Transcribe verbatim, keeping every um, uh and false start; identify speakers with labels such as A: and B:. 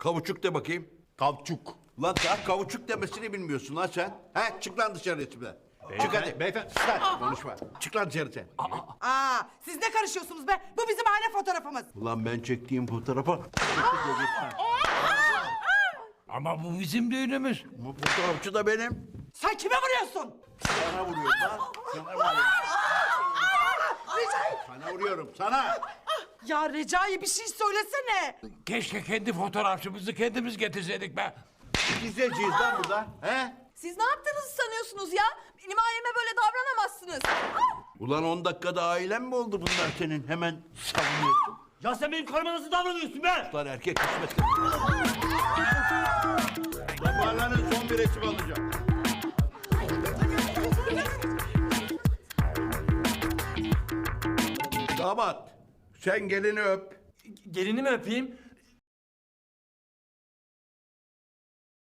A: Kavuçuk de bakayım.
B: Kavçuk.
A: Lan daha kavuçuk demesini bilmiyorsun lan sen. He? Çık lan dışarı resimden. Çık hadi.
B: Beyefendi.
A: Lan konuşma. Çık lan dışarı sen.
C: Aa, siz ne karışıyorsunuz be? Bu bizim aile fotoğrafımız.
A: Ulan ben çektiğim fotoğrafa...
D: Ama bu bizim düğünümüz.
A: Bu fotoğrafçı da benim.
C: Sen kime vuruyorsun?
A: Sana vuruyorum lan. Sana vuruyorum. Sana vuruyorum. Sana.
C: Ya Recai bir şey söylesene.
D: Keşke kendi fotoğrafçımızı kendimiz getirseydik be.
A: Gizleyeceğiz lan burada. He?
E: Siz ne yaptığınızı sanıyorsunuz ya? Benim aileme böyle davranamazsınız.
A: Ulan on dakikada ailen mi oldu bunlar senin? Hemen savunuyorsun.
F: Ya sen benim karıma nasıl davranıyorsun be?
A: Lan erkek kısmeti. Damarların son bir resim alacağım. Damat, sen gelini öp.
F: Gelini mi öpeyim?